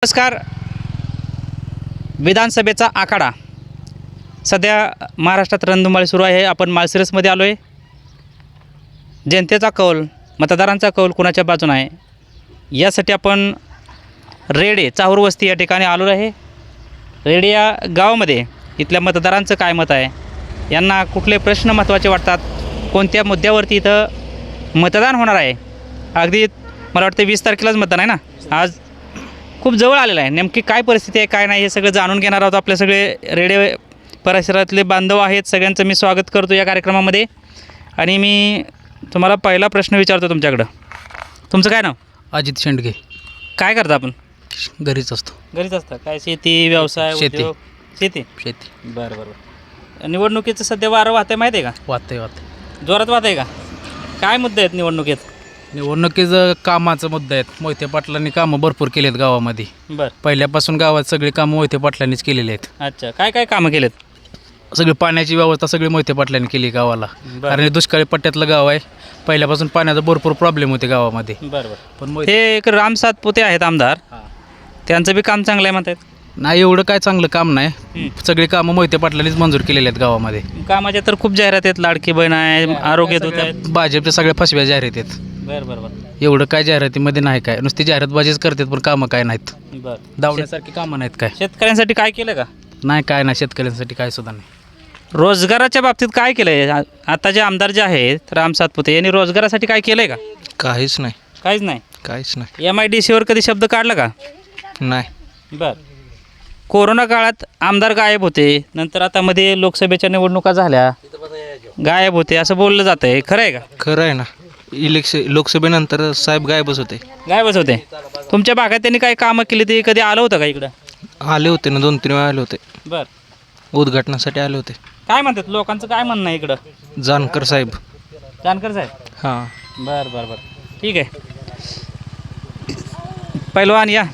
नमस्कार. विधानसभेचा आखाडा सध्या महाराष्ट्रात रणधुमाळी सुरू आहे. आपण माळशिरसमध्ये आलो आहे. जनतेचा कौल, मतदारांचा कौल कुणाच्या बाजूने आहे यासाठी आपण रेडे चाहूर वस्ती या ठिकाणी आलो आहे. रेडे या गावामध्ये इथल्या मतदारांचं काय मत आहे, यांना कुठले प्रश्न महत्त्वाचे वाटतात, कोणत्या मुद्द्यावरती इथं मतदान होणार आहे. अगदी मला वाटतं 20 तारखेलाच मतदान आहे ना. आज खूप जवळ आलेलं आहे. नेमकी काय परिस्थिती आहे, काय नाही हे सगळं जाणून घेणार आहोत. आपले सगळे रेडे परिसरातले बांधव आहेत, सगळ्यांचं मी स्वागत करतो या कार्यक्रमामध्ये. आणि मी तुम्हाला पहिला प्रश्न विचारतो तुमच्याकडं. तुमचं काय नाव? अजित शेंडगे. काय करता आपण? घरीच असतो. घरीच असतं. काय शेती, व्यवसाय, शेती. उद्योग? शेती. बरं. निवडणुकीचं सध्या वारं वाहतंय माहिती आहे का? वाहते जोरात वाहत आहे का? काय मुद्दे आहेत निवडणुकीत? निवडणुकीचं कामाचा मुद्दा आहेत. मोहिते पाटलांनी कामं भरपूर केली आहेत गावामध्ये. बरं. पहिल्यापासून गावात सगळी कामं मोहिते पाटलांनीच केलेली आहेत. अच्छा, काय काय कामं केलेत? सगळी पाण्याची व्यवस्था सगळी मोहिते पाटलांनी केली गावाला. बरं. कारण हे दुष्काळी पट्ट्यातलं गाव आहे. पहिल्यापासून पाण्याचा भरपूर प्रॉब्लेम होते गावामध्ये. बरं. पण हे एक राम सातपुते आहेत आमदार, त्यांचं बी काम चांगलं आहे म्हणतात. नाही, एवढं काय चांगलं काम नाही. सगळी कामं मोहिते पाटलांनीच मंजूर केलेली आहेत गावामध्ये. कामाच्या तर खूप जाहिरात आहेत. लाडकी बहीण आहे, आरोग्य दूत आहेत. भाजपच्या सगळ्या फसव्या जाहिरात आहेत. बरं. एवढं काय जाहिरातीमध्ये नाही, काय नुसती जाहिरातबाजीच करतात, पण कामं काय नाहीत. बरं. धावण्यासारखी कामं नाहीत काय. शेतकऱ्यांसाठी काय केलं का? नाही, काय नाही. शेतकऱ्यांसाठी काय सुद्धा नाही. रोजगाराच्या बाबतीत काय केलं आहे? आता जे आमदार जे आहेत राम सातपुते यांनी रोजगारासाठी काय केलं आहे का? काहीच नाही. काहीच नाही. काहीच नाही. MIDCवर कधी शब्द काढला का? नाही. बरं. कोरोना काळात आमदार गायब होते, नंतर आता मध्ये लोकसभेच्या निवडणुका झाल्या, गायब होते असं बोललं जातं आहे. खरं आहे का? खरं आहे ना. लोकसभेनंतर साहेब गायबच होते. गायबच होते. तुमच्या भागात त्यांनी काय कामं केली ते कधी आलं होतं का इकडं? आले होते ना, 2-3 वेळा आले होते. बरं. उद्घाटनासाठी आले होते. काय म्हणतात लोकांचं, काय म्हणणं आहे इकडं? जानकर साहेब. जानकर साहेब. हां. बरं. ठीक आहे. पहिलवान या.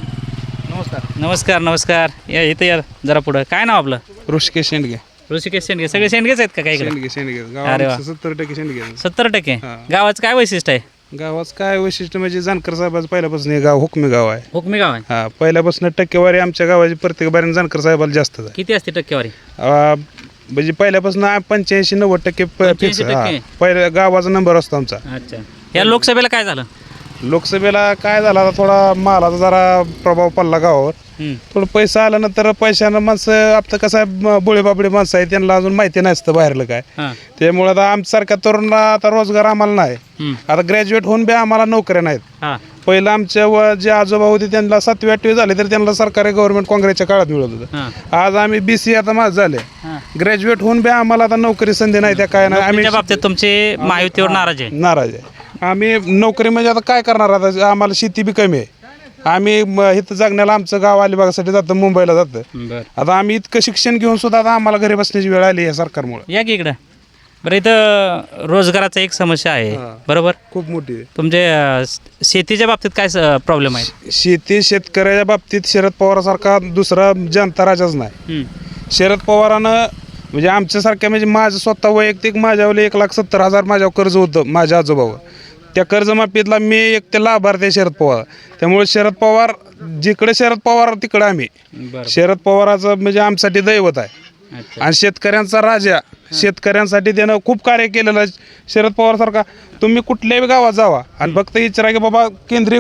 नमस्कार. या इथं या जरा पुढं. काय नाव आपलं? ऋषिकेश शेंडगे. ऋषिकेश शेंडगे. सगळे शेंडगेच आहेत का काय इकडे? शेंडगे अरे वा. गावात 70% शेंडगे. 70%. हां. गावाचं काय वैशिष्ट्य आहे? गावाचं काय वैशिष्ट्य म्हणजे जानकर साहेबाचं पहिल्यापासून हे गाव हुकमी गाव आहे. हुकमी गाव आहे. हा, पहिल्यापासून टक्केवारी आमच्या गावाची प्रत्येक बारीने जानकर साहेबाला जास्त आहे. किती असते टक्केवारी? म्हणजे पहिल्यापासून 85-90% फिक्स. 85%? पहिल्या गावाचा नंबर असतो आमचा. अच्छा. या लोकसभेला काय झालं? लोकसभेला काय झाला, आता थोडा मालाचा जरा प्रभाव पडला गावावर. थोडं पैसा आल्यानंतर पैशानं माणसं आपलं कसं आहे, बोळेबाबडे माणसं आहे, त्यांना अजून माहिती नसतं बाहेरलं काय. हां. त्यामुळे आता आमच्यासारख्या तरुणाला आता रोजगार आम्हाला नाही. आता ग्रॅज्युएट होऊन बी आम्हाला नोकऱ्या नाहीत. हां. पहिलं आमच्या जे आजोबा होते त्यांना 7वी-8वी झाले तर त्यांना सरकारी गव्हर्नमेंट काँग्रेसच्या काळात मिळत होतं. हां. आज आम्ही BC आता माझं झाले. हां. ग्रॅज्युएट होऊन बी आम्हाला आता नोकरी संधी नाही, त्या काय नाही. आम्ही नोकरीच्या बाबतीत तुमचे महायुतीवर नाराज आहे? नाराज आहे. आम्ही नोकरी म्हणजे आता काय करणार, आता आम्हाला शेती बी कमी आहे. आम्ही इथं जगण्याला आमचं गाव अलिबागसाठी जातं, मुंबईला जातं. बरं. आता आम्ही इतकं शिक्षण घेऊन सुद्धा आता आम्हाला घरी बसण्याची वेळ आली आहे सरकारमुळे. या की इकडं. बरं, इथं रोजगाराचा एक समस्या आहे. हां. बरोबर. खूप मोठी आहे. तुमचे शेतीच्या बाबतीत काय प्रॉब्लेम आहे? शेतकऱ्याच्या बाबतीत शरद पवारासारखा दुसरा जनता राजाच नाही. शरद पवारानं म्हणजे आमच्यासारख्या, म्हणजे माझं स्वतः वैयक्तिक माझ्यावर 1,70,000 माझ्यावर कर्ज होतं माझ्या आजोबावर. त्या कर्जमाफीतला मी एक ते लाभार्थी आहे शरद पवार. त्यामुळे शरद पवार जिकडे शरद पवार तिकडे आम्ही. शरद पवाराचं म्हणजे आमच्यासाठी दैवत आहे. आणि शेतकऱ्यांचा राजा, शेतकऱ्यांसाठी त्यानं खूप कार्य केलेलं आहे. शरद पवारसारखा तुम्ही कुठल्याही गावात जावा आणि फक्त विचारा की बाबा केंद्रीय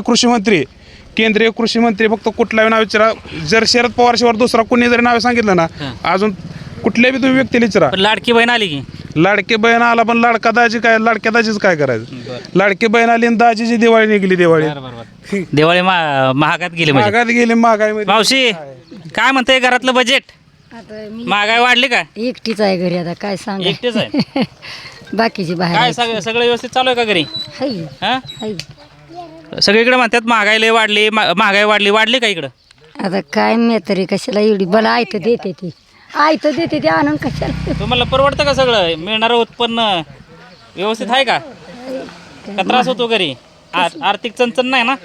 कृषी मंत्री फक्त कुठलाही नाव विचारा. जर शरद पवारशिवाय दुसरा कोणी जरी नाव सांगितलं ना, अजून कुठल्याही तुम्ही व्यक्तीला विचारा. लाडकी बहीण आली की? लाडकी बहीण आला, पण लाडक्या दाजीच काय करायचं? लाडकी बहीण आली आणि दाजीची दिवाळी निघली. दिवाळी महागात गेली म्हणजे. महागात गेली. महागाई मावशी काय म्हणते घरातलं बजेट? महागाई वाढली का? एकटीच आहे घरी, आता काय सांग. एकटेच आहे. बाकीची बाहेर काय सगळं व्यवस्थित चालू आहे का घरी? हाय. हा, हाय. सगळीकडे म्हणतात महागाई लय वाढली, महागाई वाढली का इकडं? आता काय मी तरी कशाला एवढी बला आयत देते ती आणून कशाला. तुम्हाला परवडतं का सगळं? मिळणारं उत्पन्न व्यवस्थित आहे का त्रास होतो घरी? आर्थिक चणचण नाही ना?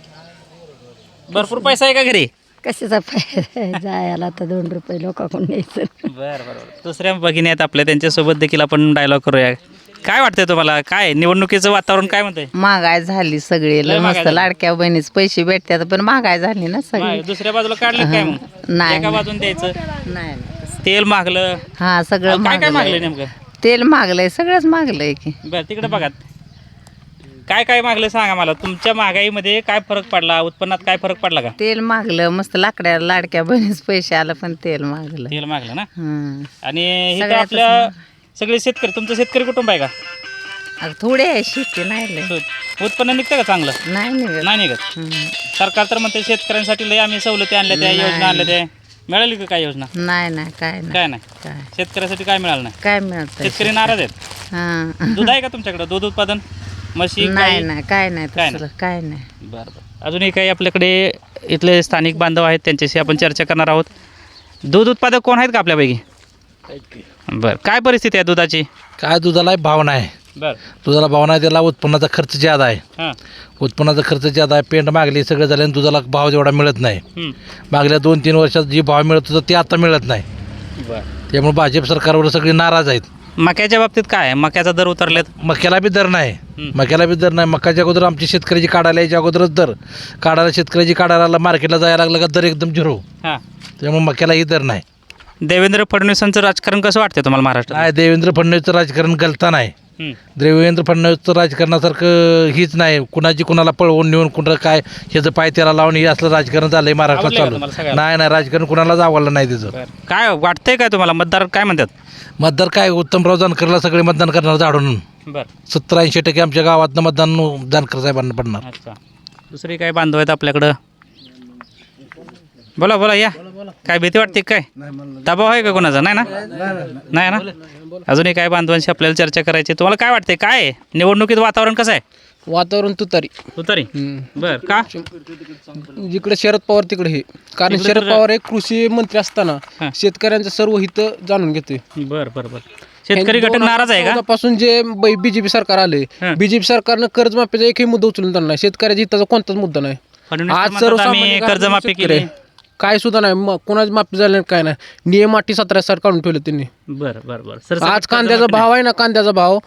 भरपूर पैसा आहे का घरी? कशाचा जायला तर 2 रुपये लोकांकडून न्यायचं. बरं. दुसऱ्या भगिनी आहेत आपल्या, त्यांच्यासोबत देखील आपण डायलॉग करूया. काय वाटतंय तुम्हाला? काय निवडणुकीचं वातावरण काय म्हणतंय? महागाई झाली सगळी लय महागाई मस्त झाली. लाडक्या बहिणीच पैसे भेटतात पण महागाई झाली ना सगळी. दुसऱ्या बाजूला काढलं काय मग? नाही, एका नाही. बाजून द्यायचं. नाही तेल महागलं. हा सगळं काय काय मागलंय महागलंय. नेमकं? तेल महागलंय सगळंच महागलंय की. बरं तिकडे बघा काय काय मागलं सांगा मला. तुमच्या महागाईमध्ये काय फरक पडला? उत्पन्नात काय फरक पडला का? तेल महागलं मस्त लाकड्या लाडक्या बहिणीच पैसे आलं पण तेल महागलं. तेल मागलं ना. हं. आणि इथं सगळ्यातच आपल्या सगळे शेतकरी, तुमचं शेतकरी कुटुंब आहे का? आता थोडे आहे शेती नाही लय. उत्पन्न निघतं का चांगलं? नाही निघत. नाही निघत. हं. सरकार तर म्हणते शेतकऱ्यांसाठी लय आम्ही सवलती आणल्या त्या, योजना आणल्या त्या. मिळाली का काय योजना? नाही नाही काय नाही काय नाही. काय शेतकऱ्यासाठी काय मिळालं नाही. काय मिळत शेतकरी नाराज आहेत. हा दूध आहे का तुमच्याकडे? दूध उत्पादन, म्हशी, नाही गाई? नाही काय नाही काय तसलं काय नाही. बरं बरं. अजूनही काही आपल्याकडे इथले स्थानिक बांधव आहेत, त्यांच्याशी आपण चर्चा करणार आहोत. दूध उत्पादक कोण आहेत का आपल्यापैकी? बरं, काय परिस्थिती आहे दुधाची? काय दुधाला भाव नाही, बरं. दुधाला भाव नाही, त्याला उत्पन्नाचा खर्च ज्यादा आहे. हां. उत्पन्नाचा खर्च ज्यादा आहे, पेंट मागली सगळं झालं आणि दुधाला भाव जेवढा मिळत नाही. हं. मागल्या 2-3 वर्षात जी भाव मिळत होता ते आता मिळत नाही. बरं. त्यामुळे भाजप सरकारवर सगळे नाराज आहेत. मक्याच्या बाबतीत काय आहे? मक्याचा दर उतरलेत. मक्याला बी दर नाही, हं. मक्याला बी दर नाही. मक्याच्या अगोदर आमची शेतकऱ्याची काढायला यायच्या अगोदरच दर काढायला, शेतकऱ्याची काढायला मार्केटला जायला लागलं का दर एकदम झिरो. हां. त्यामुळे मक्यालाही दर नाही. देवेंद्र फडणवीसांचं राजकारण कसं वाटतं तुम्हाला महाराष्ट्रात? नाही, देवेंद्र फडणवीसचं राजकारण गलता नाही. हं. देवेंद्र फडणवीसचं राजकारणासारखं हीच नाही. कुणाची कुणाला पळवून नेऊन कुणाला काय ह्याचं पाय त्याला लावून हे असलं राजकारण झालंय महाराष्ट्रात आवडलंय का चालू. तुम्हाला सगळ्याला? नाही नाही, राजकारण कुणालाच आवडलं नाही त्याचं. बरं. काय वाटतंय काय तुम्हाला? मतदार काय म्हणतात? मतदार काय, उत्तमराव जानकरला सगळे मतदान करणार झाडून. बरं. 70-80% आमच्या गावातनं मतदान जानकर साहेबांना पडणार. अच्छा. दुसरी काय बांधव आहेत आपल्याकडं? बोला बोला, या. काय भीती वाटते काय? दबाव आहे का कोणाचा? नाही ना. नाही ना. अजूनही काय बांधवांशी आपल्याला चर्चा करायची. तुम्हाला काय वाटते? काय आहे? निवडणुकीत वातावरण कसं आहे? वातावरण तुतारी. तुतारी. बर का? जिकडे शरद पवार तिकडे हे, कारण इकडे शरद तर- पवार एक कृषी मंत्री असताना हां. शेतकऱ्यांचं सर्व हित जाणून घेतोय. बर बर बर. शेतकरी घटक नाराज आहे का? पासून जे बीजेपी सरकार आले, हां. बीजेपी सरकारनं कर्जमाफीचा एकही मुद्दा उचलून धरला नाही. शेतकऱ्याच्या हिताचा कोणताच मुद्दा नाही. फडणवीस तर आज म्हणतात आम्ही सर्वसामान्य कर्जमाफी शेतकरी केली. काय सुद्धा नाही, कोणाची माफी झाली नाही, काय नाही. नियम 17 काढून ठेवले त्यांनी. बर बर बर. आज कांद्याचा भाव आहे ना, कांद्याचा भाव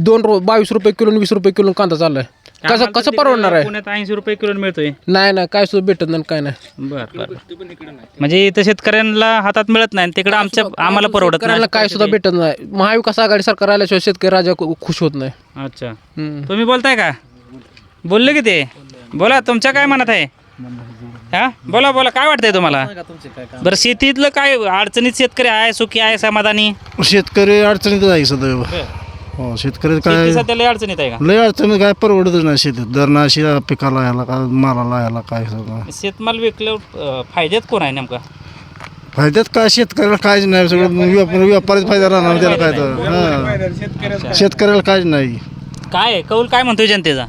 22 रुपये किलो 20 रुपये किलो कांदा चाललाय. कसं परवडणार आहे? पुण्यात 80 रुपये किलो मिळतोय. नाही नाही, काय सुद्धा भेटत नाही, काय नाही. बर बर. म्हणजे इथं शेतकऱ्यांना हातात मिळत नाही, तिकडे आम्हाला परवडत शेतकऱ्याला नाही. काय सुद्धा भेटत नाही. महाविकास आघाडी सरकार आल्याशिवाय शेतकरी राजा खुश होत नाही. अच्छा. हम्म. तुम्ही बोलताय का? बोलले की ते? बोला, तुमच्या काय मनात आहे? हा, बोला बोला, काय वाटतंय तुम्हाला? बरं, शेतीतलं काय अडचणीत शेतकरी आहे, सुखी आहे, समाधानी? शेतकरी अडचणीतच आहे सदैव. हो, शेतकरी शेती काय सध्या लय अडचणीत आहे का? लय अडचणी, काय परवडतच नाही शेतीत. दरणाशी पिकाला याला का मालाला याला काय सगळं शेतमाल विकल्यावर फायद्यात कोण आहे नेमका? फायद्यात काय शेतकऱ्याला काहीच नाही. सगळं व्यापारीच फायदा राहणार त्याला काय तर. हां, शेतकऱ्याला काहीच नाही. काय आहे? कौल काय म्हणतोय जनतेचा?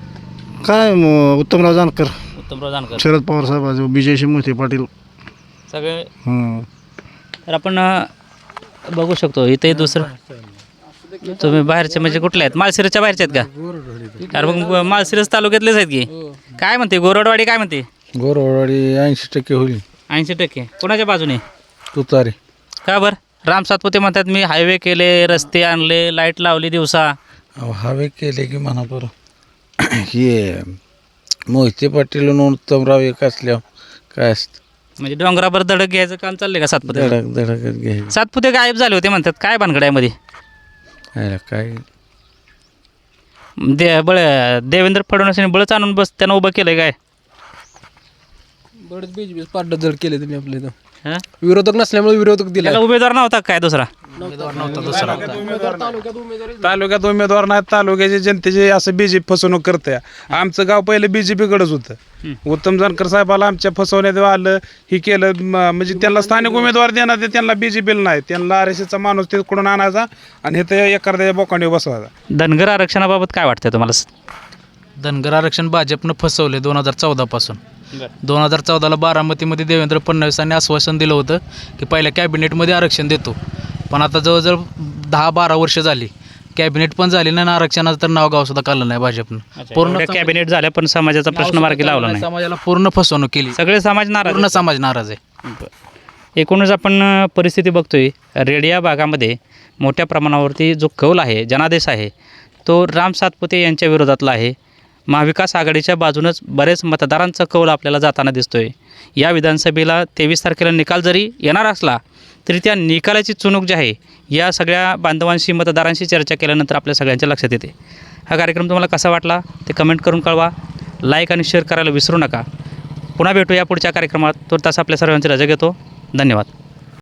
काय उत्तमराव जानकर, उत्तमराव जानकर, शरद पवार साहेब, विजयशी मोहिते पाटील. सगळे. हं. तर आपण बघू शकतो इथे दुसरं. तुम्ही बाहेरचे म्हणजे कुठले आहेत? माळशिरसच्या बाहेरचे आहेत का? अरे मग माळशिरस तालुक्यातलेच आहेत की? काय म्हणते गोरडवाडी? काय म्हणते? गोरवाडी 80% होईल. 80%. कोणाच्या बाजूने? तुतारी. का बरं? राम सातपुते म्हणतात मी हायवे केले, रस्ते आणले, लाईट लावली दिवसा. हवे केले की म्हणा बरं. हे मोहिते पाटील आणि उत्तमराव एक असल्यावर काय असतं, म्हणजे डोंगरावर धडक घ्यायचं काम चाललंय का सातपुते? धडकच घ्यायचं. सातपुते गायब झाले होते म्हणतात. काय भानगड्यामध्ये? काय देवेंद्र फडणवीसांनी बळच आणून बस त्यांना उभं केलंय काय? बरेच बीजेपी पार्ट जड केले त्यांनी आपल्या इथं. हां? विरोधक नसल्यामुळे विरोधक दिला. त्याला उमेदवार नव्हता काय दुसरा? तालुक्यात उमेदवार नाहीत. तालुक्याचे जनतेचे असं बीजेपी फसवणूक करते. आमचं गाव पहिलं बीजेपीकडेच होतं. उत्तम जानकर साहेबाला आमच्या फसवण्यात आलं, ही केलं. म्हणजे त्यांना स्थानिक उमेदवार देणार, ते त्यांना बीजेपीला नाही. त्यांना आरएसएसचा माणूस तिकडून आणायचा आणि हे ते एखाद्या बोकांडी बसवायचा. धनगर आरक्षणाबाबत काय वाटतंय तुम्हाला? धनगर आरक्षण भाजपनं फसवले 2014 पासून. 2014ला बारामतीमध्ये देवेंद्र फडणवीसांनी आश्वासन दिलं होतं की पहिल्या कॅबिनेटमध्ये आरक्षण देतो, पण आता जवळजवळ 10-12 वर्ष झाली, कॅबिनेट पण झाली नाही, आरक्षणाचं तर नाव गाव सुद्धा काढलं नाही भाजपनं. पूर्ण कॅबिनेट झाल्या पण समाजाचा प्रश्न मार्गी लावला नाही. समाजाला पूर्ण फसवणूक केली. सगळे समाज नाराज पूर्ण आहेत. समाज नाराज आहे. एकूणच आपण परिस्थिती बघतोय रेड या भागामध्ये मोठ्या प्रमाणावरती जो कौल आहे जनादेश आहे तो राम सातपुते यांच्या विरोधातला आहे. महाविकास आघाडीच्या बाजूनच बरेच मतदारांचा कौल आपल्याला जाताना दिसतोय. या विधानसभेला 23 तारखेला निकाल जरी येणार असला तरी त्या निकालाची चुणूक जी आहे या सगळ्या बांधवांशी मतदारांशी चर्चा केल्यानंतर आपल्या सगळ्यांच्या लक्षात येते. हा कार्यक्रम तुम्हाला कसा वाटला ते कमेंट करून कळवा. लाईक आणि शेअर करायला विसरू नका. पुन्हा भेटू या पुढच्या कार्यक्रमात. तो तास आपल्या सर्वांची रजा घेतो. धन्यवाद.